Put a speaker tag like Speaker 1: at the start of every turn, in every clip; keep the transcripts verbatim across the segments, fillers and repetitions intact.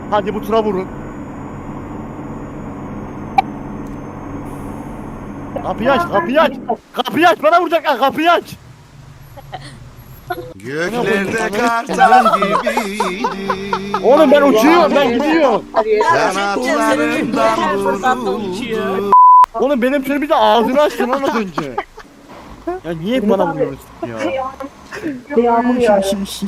Speaker 1: Hadi bu tura vurun. Kapıyı aç, kapıyı aç. Kapıyı aç, bana vuracaklar, kapıyı aç.
Speaker 2: Göklerde kartal gibiydi.
Speaker 1: Oğlum ben uçuyorum, ben gidiyorum.
Speaker 2: Kanatlarından vuruldu.
Speaker 1: Oğlum benim şöyle bir de ağzını açtın lan az önce. Ya niye hep bana vuruyorsun ya?
Speaker 3: Yağmur yağıyor.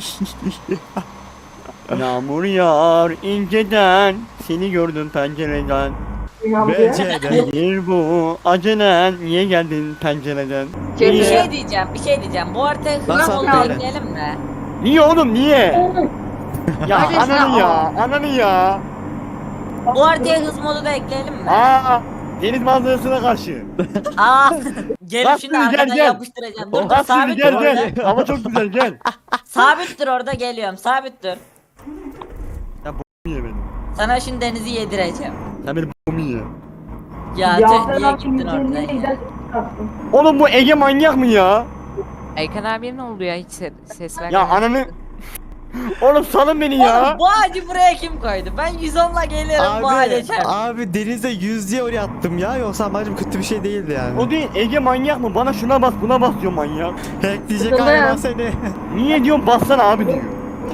Speaker 1: Yağmur yağar inceden, seni gördüm pencereden.
Speaker 3: Yağmur yağıyor.
Speaker 1: Nedir bu acelen, niye geldin pencereden?
Speaker 4: Bir
Speaker 1: Niye?
Speaker 4: şey diyeceğim, bir şey diyeceğim. Bu haritaya hızlı
Speaker 5: Nasıl
Speaker 4: modu
Speaker 5: böyle?
Speaker 4: ekleyelim mi?
Speaker 1: Niye oğlum niye? Ya
Speaker 3: Hadi sen
Speaker 1: ananı ya,
Speaker 3: al.
Speaker 1: ananı ya.
Speaker 4: Bu haritaya hız modu da ekleyelim mi?
Speaker 1: Aa, deniz manzarasına karşı.
Speaker 4: Aa, gelip
Speaker 1: Bak
Speaker 4: şimdi
Speaker 1: gel,
Speaker 4: arkadan
Speaker 1: gel.
Speaker 4: yapıştıracağım. Dur dur
Speaker 1: Bak şimdi
Speaker 4: sabit dur
Speaker 1: gel
Speaker 4: orada.
Speaker 1: gel. Hava çok güzel gel.
Speaker 4: Sabit dur orada geliyorum, sabit dur.
Speaker 1: Niye beni?
Speaker 4: Sana şimdi denizi yedireceğim.
Speaker 1: Sen benim b***ımı ye.
Speaker 4: Ya tüh niye gittin oradan ya?
Speaker 1: Oğlum bu Ege manyak mı ya?
Speaker 6: Aykan abiye ne oldu ya hiç se- ses vermedi.
Speaker 1: Ya ananı... Oğlum salın beni ya.
Speaker 4: Oğlum bu ağacı buraya kim koydu? Ben yüz onla geliyorum bu ağaca
Speaker 5: Abi,
Speaker 4: çarptım.
Speaker 5: abi denizde yüz diye oraya attım ya. Yoksa amacım kötü bir şey değildi yani.
Speaker 1: O değil, Ege manyak mı? Bana şuna bas, buna bas diyor manyak.
Speaker 5: Hack diyecek
Speaker 3: Sıkıldım.
Speaker 5: galiba seni.
Speaker 1: Niye diyorum bassana abi diyor.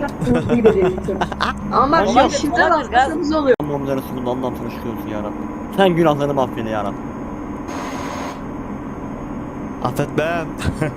Speaker 3: Ama bak
Speaker 4: Olabilir,
Speaker 3: şimdi
Speaker 4: olabilir,
Speaker 3: şimdiden basmamız oluyor.
Speaker 1: Allah'ım Resulullah Allah'ım sana şükür olsun ya Rabbim. Sen günahlarımı affeyle ya Rabbim.
Speaker 5: Affetmem.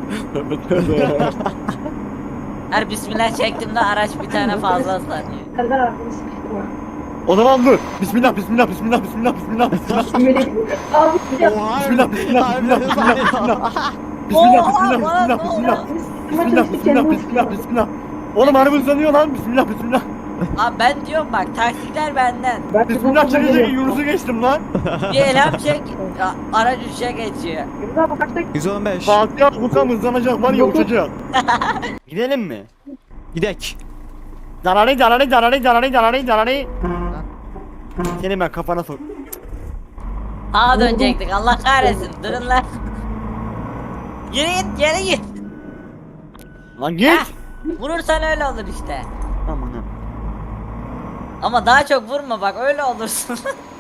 Speaker 4: Her bismillah çektiğimde araç bir tane fazla sanıyor.
Speaker 3: Serdar arkadaşı sıkıştırma.
Speaker 1: O zaman dur. Bismillah, bismillah, bismillah, bismillah, bismillah, bismillah.
Speaker 3: Abi bir de
Speaker 5: Oha.
Speaker 1: Bismillah, bismillah, bismillah, bismillah, bismillah. Bismillah, bismillah, bismillah, bismillah. Bismillah, bismillah, bismillah, bismillah. Oğlum araba hızlanıyor lan. Bismillah, bismillah.
Speaker 4: Abi ben diyorum bak taktikler benden.
Speaker 1: Bismillah çekecek Yunus'u geçtim lan.
Speaker 4: Bir elham çek, ya, araç üçe geçiyor.
Speaker 5: yüz on beş.
Speaker 1: Fatih Abuka hızlanacak var ya uçacak. Gidelim mi?
Speaker 5: Gidek.
Speaker 1: Darari darari darari darari darari darari. Seni ben kafana sok.
Speaker 4: Sağa dönecektik Allah kahretsin durun lan. Yürü git geri git.
Speaker 1: Lan git.
Speaker 4: Heh, vurursan öyle olur işte.
Speaker 1: Aman ha.
Speaker 4: Ama daha çok vurma bak öyle olursun.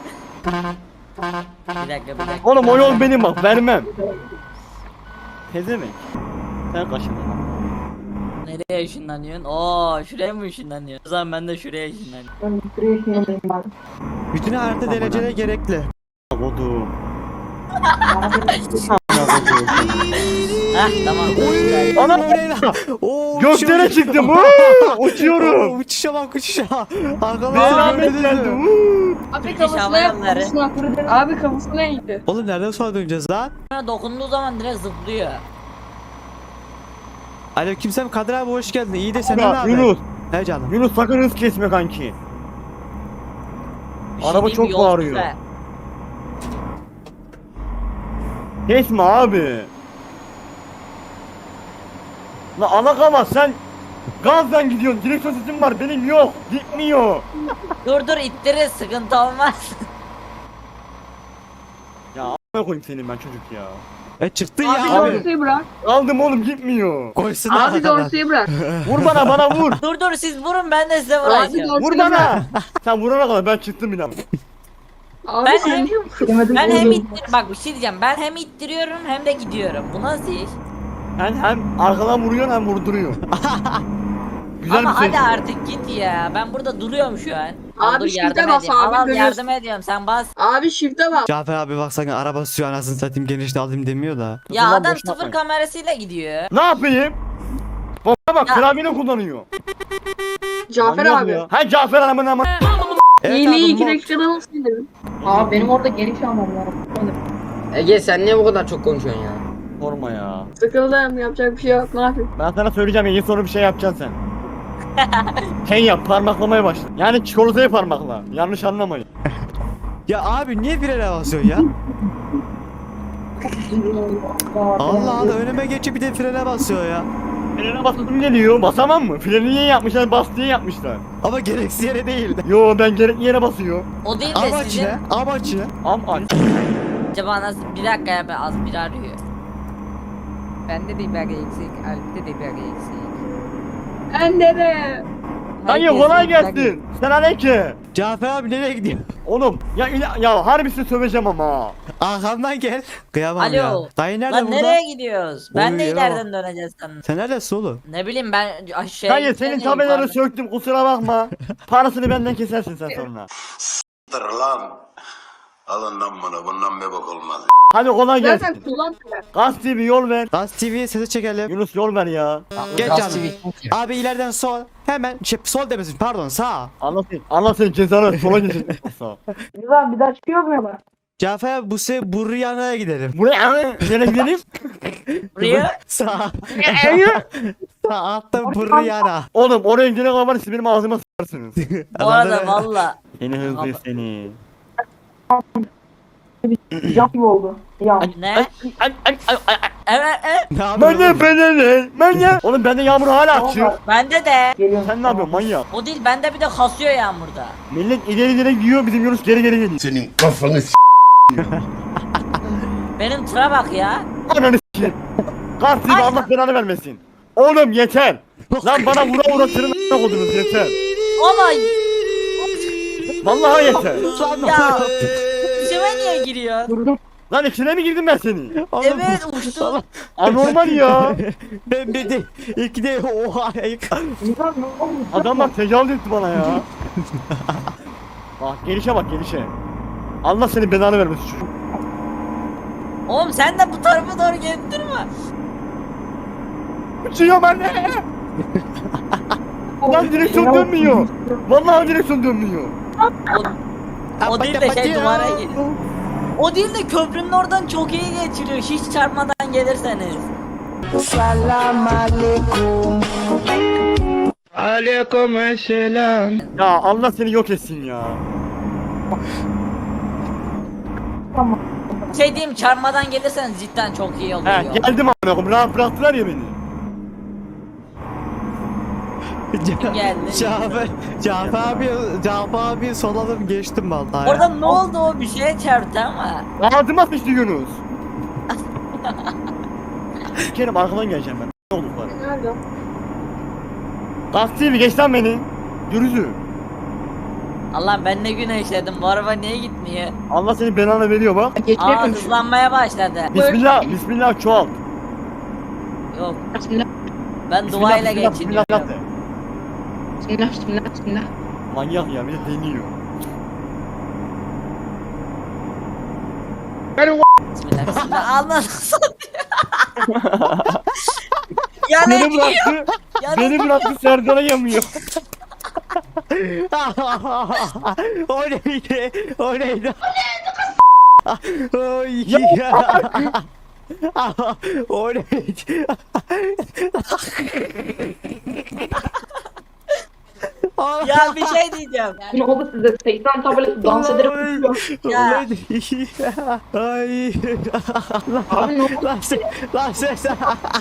Speaker 4: Bir dakika bir dakika.
Speaker 1: Oğlum o yol benim bak vermem. Pezevenk. Sen kaşındın lan.
Speaker 4: Nereye ışınlanıyorsun? Oo şuraya mı ışınlanıyorsun? O zaman ben de şuraya ışınlanıyorum.
Speaker 3: Ben buraya ışınlanayım abi.
Speaker 5: Bütün harita derecede gerekli.
Speaker 1: Kodu.
Speaker 4: Heh tamam. güzel.
Speaker 1: Ana
Speaker 5: Oo,
Speaker 1: göklere
Speaker 5: uçuyor.
Speaker 1: çıktım. Woo! Uçuyorum.
Speaker 5: Oo, uçuşa bak uçuşa. Arkadan
Speaker 1: Beraber geldi. Woo!
Speaker 3: Abi
Speaker 4: Türk
Speaker 3: kafasına
Speaker 4: Hava
Speaker 3: yap
Speaker 4: Yolları.
Speaker 3: kafasına. Abi kafasına indi.
Speaker 5: Oğlum nereden sonra döneceğiz lan?
Speaker 4: Bana dokunduğu zaman direkt zıplıyor.
Speaker 5: Aleykümselam Kadir abi hoş geldin. İyi de sen ne
Speaker 1: Ya,
Speaker 5: abi?
Speaker 1: Yunus.
Speaker 5: He canım.
Speaker 1: Yunus sakın hız kesme kanki.
Speaker 4: Bir şey
Speaker 1: Araba
Speaker 4: diyeyim
Speaker 1: çok
Speaker 4: mi? Yol
Speaker 1: bağırıyor.
Speaker 4: güzel.
Speaker 1: Kesme abi. La alakama sen gazdan gidiyorsun. Direksiyon sesim var benim yok. Gitmiyor.
Speaker 4: Dur dur ittiririz sıkıntı olmaz.
Speaker 1: Ya a**ına koyayım senin ben çocuk ya.
Speaker 5: E çıktı
Speaker 3: Abi
Speaker 5: ya abi.
Speaker 3: dorsuyu bırak.
Speaker 1: Aldım oğlum gitmiyor.
Speaker 5: Koysun
Speaker 3: Abi
Speaker 5: arkadan.
Speaker 3: dorsuyu bırak.
Speaker 1: Vur bana bana vur.
Speaker 4: Dur dur siz vurun ben de size
Speaker 3: Abi
Speaker 4: vuracağım.
Speaker 3: dorsuyu
Speaker 1: Vur
Speaker 3: bırak.
Speaker 1: bana. Sen vurana kadar ben çıktım inan.
Speaker 3: Abi
Speaker 4: Ben
Speaker 3: sen
Speaker 4: hem-
Speaker 3: niye vurdun?
Speaker 4: Ben hem ittir bak bir şey diyeceğim. Ben hem ittiriyorum hem de gidiyorum. Bu nasıl iş?
Speaker 1: Sen hem arkadan vuruyorsun hem vurduruyorsun. Güzel
Speaker 4: Ama
Speaker 1: bir şey.
Speaker 4: hadi artık git ya. Ben burada duruyorum şu an. Al,
Speaker 3: Abi
Speaker 4: dur
Speaker 3: shift'e
Speaker 4: yardım
Speaker 3: bas
Speaker 4: edeyim.
Speaker 3: abi,
Speaker 4: Al, al,
Speaker 3: görüyorsun.
Speaker 4: yardım ediyorum sen bas.
Speaker 3: Abi shift'e bak.
Speaker 5: Cafer abi bak sakın araba sürüyor anasını satayım genişini alayım demiyor da.
Speaker 4: Ya
Speaker 1: Ulan
Speaker 4: adam
Speaker 1: boş
Speaker 4: sıfır
Speaker 1: yapmayın.
Speaker 4: kamerasıyla gidiyor.
Speaker 1: Ne yapayım? Baba bak
Speaker 4: Ya.
Speaker 1: klavyeni kullanıyor.
Speaker 3: Cafer
Speaker 1: Manyak
Speaker 3: abi.
Speaker 1: ya. Ha Cafer anamın ama.
Speaker 5: Evet
Speaker 3: İyiliği
Speaker 5: abi,
Speaker 3: iki
Speaker 5: mod-
Speaker 3: dakikada nasıl indirdin?
Speaker 7: Abi benim orada geniş almam lazım. Ege sen niye bu kadar çok konuşuyorsun ya?
Speaker 1: Sorma ya.
Speaker 3: Sıkıldım yapacak bir şey yok ne yapayım?
Speaker 1: Ben sana söyleyeceğim iyi soru bir şey yapacaksın sen. Şey yap parmaklamaya başla. Yani çikolatayı parmakla. Yanlış anlamayın.
Speaker 5: Ya abi niye frene basıyorsun ya? Allah Allah önüme geçip bir de frene basıyor ya.
Speaker 1: Frene basasım geliyor. Basamam mı? Freni niye yapmışlar? Bas diye yapmışlar.
Speaker 5: Ama gereksiz yere değil.
Speaker 1: Yo ben gerekli yere basıyor.
Speaker 4: O değil de
Speaker 5: Amaç
Speaker 4: sizin
Speaker 5: ne? Amaç ne?
Speaker 1: Am aç.
Speaker 4: acaba nasıl bir dakika ya ben az bir arıyor.
Speaker 6: Bende de biber eksik, Alp'te de biber eksik.
Speaker 3: Ben de.
Speaker 1: Dayı
Speaker 6: Herkes
Speaker 1: kolay
Speaker 6: yiyecek.
Speaker 1: gelsin. Sen aleyküm.
Speaker 5: Cafer abi nereye gidiyor?
Speaker 1: Oğlum ya ila- ya harbisini söveceğim ama.
Speaker 5: Arkamdan gel. Kıyamam
Speaker 4: Alo.
Speaker 5: ya. Dayı nerede
Speaker 4: Lan
Speaker 5: burada?
Speaker 4: nereye gidiyoruz? Ben de
Speaker 5: Oy ya.
Speaker 4: ileriden döneceğiz sanırım.
Speaker 5: Sen neredesin oğlum?
Speaker 4: Ne bileyim ben aşağı
Speaker 1: Dayı senin tabelaları söktüm kusura bakma. Parasını benden kesersin sen sonra.
Speaker 2: Dur lan. Alın lan bunu. Bundan bir bok olmaz.
Speaker 1: Hadi kolay
Speaker 3: Zaten
Speaker 1: gelsin.
Speaker 3: kullan.
Speaker 1: Gaz T V yol ver.
Speaker 5: Gaz T V'ye sesi çekelim.
Speaker 1: Yunus yol ver ya.
Speaker 5: Geç
Speaker 7: Gaz
Speaker 5: abi.
Speaker 7: T V.
Speaker 5: Abi ileriden sol. Hemen şey, sol demesin pardon sağ.
Speaker 1: Allah senin, Allah senin cezanı sola geçecek.
Speaker 3: Güzel bir daha çıkıyor mu ya?
Speaker 5: Cafer abi bu se Buryana'ya gidelim.
Speaker 1: Buraya nereye gidelim?
Speaker 4: Buraya.
Speaker 5: Sağ. Sağ altta Buryana.
Speaker 1: Oğlum oraya gidene kadar siz benim ağzıma s**arsınız.
Speaker 4: Bu arada valla.
Speaker 1: Seni hızlı seni.
Speaker 3: Jump gibi oldu. Ya.
Speaker 4: Ne?
Speaker 1: Ay ay ay ay ay.
Speaker 4: Evet evet.
Speaker 5: Ne
Speaker 1: Ben
Speaker 5: yapıyorsun?
Speaker 1: de ben de ben de. Oğlum bende yağmur hala açıyor.
Speaker 4: Bende de.
Speaker 3: Geliyorum.
Speaker 1: Sen ne yapıyorsun manyak?
Speaker 4: O değil bende bir de kasıyor yağmurda.
Speaker 1: Millet ileri ileri gidiyor bizim Yunus geri geri geliyor.
Speaker 2: Senin kafanı s***.
Speaker 4: Benim tıra bak ya.
Speaker 1: Ananı s**eyim. Gaz T V Allah belanı vermesin. Oğlum yeter. Lan bana vura vura tırnak oldunuz yeter.
Speaker 4: Ama
Speaker 1: Vallahi yeter.
Speaker 4: ya. İçime niye giriyor?
Speaker 1: Lan içine mi girdim ben seni?
Speaker 5: Oğlum,
Speaker 4: Evet uçtu.
Speaker 1: Anormal ya.
Speaker 5: Ben bir de iki de oha.
Speaker 1: Adamlar tecavüz etti bana ya. Bak gelişe bak gelişe. Allah seni belanı vermesin çocuk.
Speaker 4: Oğlum sen de bu tarafa doğru gelip durma.
Speaker 1: Uçuyor anne. Lan direksiyon dönmüyor. Vallahi direksiyon dönmüyor.
Speaker 4: O, o değil de şey duvara geliyor. O değil de köprünün oradan çok iyi geçiriyor. Hiç çarpmadan gelirseniz.
Speaker 1: Ya Allah seni yok etsin ya.
Speaker 4: Şey diyeyim çarpmadan gelirseniz cidden çok iyi oluyor.
Speaker 1: He geldim amına koyayım. Rahat bıraktılar ya beni.
Speaker 4: Geldi.
Speaker 5: Cafer, Cafer abi, Cafer abi sol alıp geçtim vallahi.
Speaker 4: Orada ne oldu o bir şeye çarptı ama.
Speaker 1: Ağzıma sıçtı Yunus. Kerim arkadan geleceğim ben. Ne olur bana.
Speaker 3: Nerede?
Speaker 1: Gaz T V geç lan beni. Yürüzü.
Speaker 4: Allah ben ne günah işledim bu araba niye gitmiyor?
Speaker 1: Allah seni belanı veriyor bak.
Speaker 4: Aa
Speaker 3: Geçmiyor.
Speaker 4: hızlanmaya başladı.
Speaker 1: Bismillah, bismillah çoğalt.
Speaker 4: Yok
Speaker 3: Bismillah.
Speaker 4: ben
Speaker 1: Bismillah,
Speaker 4: duayla
Speaker 1: bismillah,
Speaker 4: geçiniyorum.
Speaker 1: bismillah de.
Speaker 3: Bismillah. Bismillah. Bismillah.
Speaker 1: Manyak ya bir de deniyor.
Speaker 4: Bismillah bismillah. Allah Ya ne
Speaker 1: Beni bıraktı,
Speaker 4: Ya
Speaker 1: beni bıraktı Serdar'a yamıyor.
Speaker 5: O neydi? O neydi? Oy. O neydi?
Speaker 4: Ya bir şey diyeceğim.
Speaker 3: Bunu oldu size. seksen tabelası dans ederek uçuyor.
Speaker 4: Ya.
Speaker 5: Ay.
Speaker 3: Abi ne oldu?
Speaker 5: Lan sen, lan sen, sen.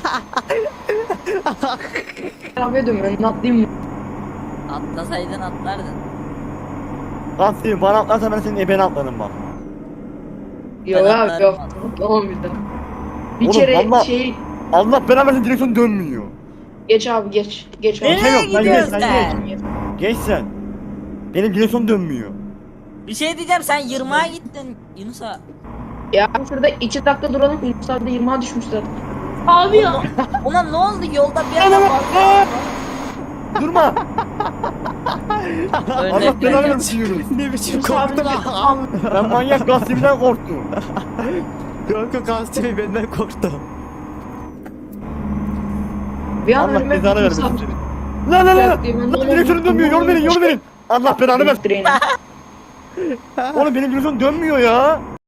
Speaker 3: Arabaya dönüyorum. Ben atlayayım mı?
Speaker 4: Atlasaydın atlardın.
Speaker 1: Gaz T V bana atlarsa ben senin ebeni atlarım bak.
Speaker 3: Yok
Speaker 4: Ben
Speaker 3: abi
Speaker 4: atlarım.
Speaker 3: yok. Atlamam bir daha. Bir
Speaker 1: Oğlum,
Speaker 3: kere
Speaker 1: vallahi-
Speaker 3: şey...
Speaker 1: Allah belanı versin direksiyon dönmüyor.
Speaker 3: Geç abi geç. Geç abi.
Speaker 4: Nereye
Speaker 1: Şey yok, sen
Speaker 4: gidiyorsun
Speaker 1: geç, sen
Speaker 4: sen?
Speaker 1: Geç sen. Benim direksiyon dönmüyor.
Speaker 4: Bir şey diyeceğim sen yırmağa gittin Yunus'a.
Speaker 3: Ya şurada iki dakika duralım. Yunus abi de yirmiye düşmüş zaten. Abi ya.
Speaker 4: Ona ne oldu yolda bir anda fazla.
Speaker 1: Durma. Allah
Speaker 4: Örnek
Speaker 1: belanı
Speaker 4: vereceğim.
Speaker 1: versin Yunus.
Speaker 5: Ne biçim
Speaker 3: Yunus abi
Speaker 5: korktum.
Speaker 3: de-
Speaker 1: Ben manyak Gaz T V'den korktum.
Speaker 5: Yok yok Gazi benden korktu.
Speaker 3: Bir an
Speaker 1: Allah
Speaker 3: önüme
Speaker 1: cezanı
Speaker 3: Yunus
Speaker 1: vermesin
Speaker 3: abi-
Speaker 1: seni. Lan lan lan lan.
Speaker 3: Ben
Speaker 1: Lan
Speaker 3: de-
Speaker 1: direksiyonum dönmüyor. Yol verin yol verin. Allah belanı versin.
Speaker 3: Treni.
Speaker 1: Oğlum benim direksiyon dönmüyor ya.